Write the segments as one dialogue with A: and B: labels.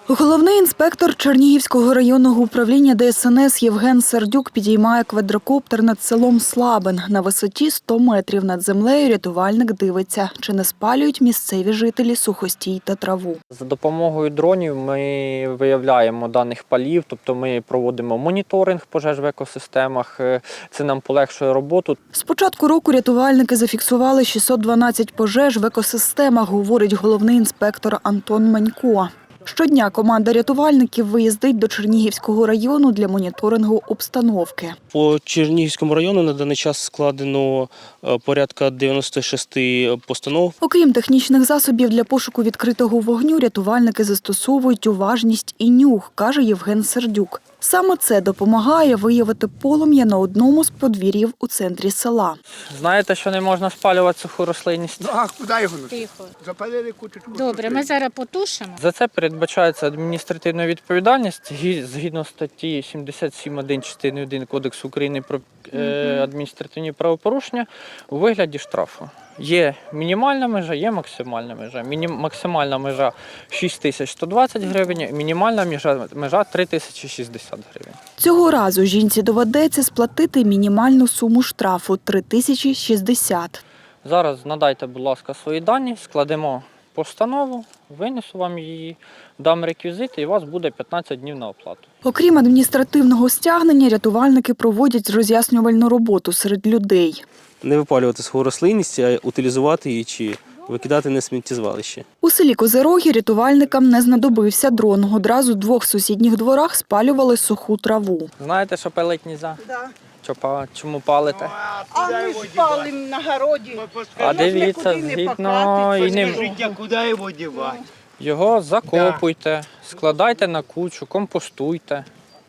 A: Головний інспектор Чернігівського районного управління ДСНС Євген Сердюк підіймає квадрокоптер над селом Слабин. На висоті 100 метрів над землею рятувальник дивиться, чи не спалюють місцеві жителі сухостій та траву.
B: За допомогою дронів ми виявляємо даних палів, тобто ми проводимо моніторинг пожеж в екосистемах. Це нам полегшує роботу.
A: З початку року рятувальники зафіксували 612 пожеж в екосистемах, говорить головний інспектор Антон Манько. Щодня команда рятувальників виїздить до Чернігівського району для моніторингу обстановки.
C: По Чернігівському району на даний час складено порядка 96 постанов.
A: Окрім технічних засобів для пошуку відкритого вогню, рятувальники застосовують уважність і нюх, каже Євген Сердюк. Саме це допомагає виявити полум'я на одному з подвір'їв у центрі села.
B: Знаєте, що не можна спалювати суху рослинність?
D: А куди його?
E: Тихо.
D: Запалили кучу.
E: Добре, ми зараз потушимо.
B: За це передбачається адміністративна відповідальність згідно статті 77.1 частини 1 Кодексу України про адміністративні правопорушення у вигляді штрафу. Є мінімальна межа, є максимальна межа. Максимальна межа 6120 гривень, мінімальна межа 3060 гривень.
A: Цього разу жінці доведеться сплатити мінімальну суму штрафу – 3060.
B: Зараз надайте, будь ласка, свої дані, складемо постанову, винесу вам її, дам реквізити і у вас буде 15 днів на оплату.
A: Окрім адміністративного стягнення, рятувальники проводять роз'яснювальну роботу серед людей.
C: Не випалювати свою рослинність, а утилізувати її чи викидати на сміттєзвалище.
A: У селі Козирогі рятувальникам не знадобився дрон. Одразу в двох сусідніх дворах спалювали суху траву.
B: Знаєте, що палити не можна?
F: Да.
B: Чому палите?
F: А ми ж палимо на городі.
B: А дивіться, згідно і ним.
D: Куди його дівати?
B: Його закопуйте, складайте на кучу, компостуйте.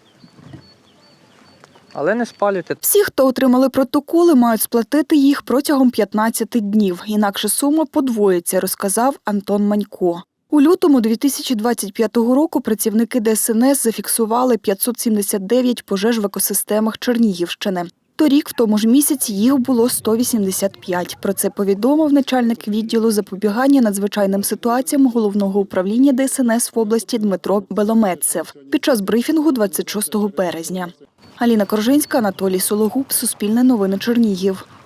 B: Але не спалюйте.
A: Всі, хто отримали протоколи, мають сплатити їх протягом 15 днів. Інакше сума подвоїться, розказав Антон Манько. У лютому 2025 року працівники ДСНС зафіксували 579 пожеж в екосистемах Чернігівщини. Торік, в тому ж місяці, їх було 185. Про це повідомив начальник відділу запобігання надзвичайним ситуаціям Головного управління ДСНС в області Дмитро Беломецев під час брифінгу 26 березня. Аліна Коржинська, Анатолій Сологуб, Суспільне новини Чернігів.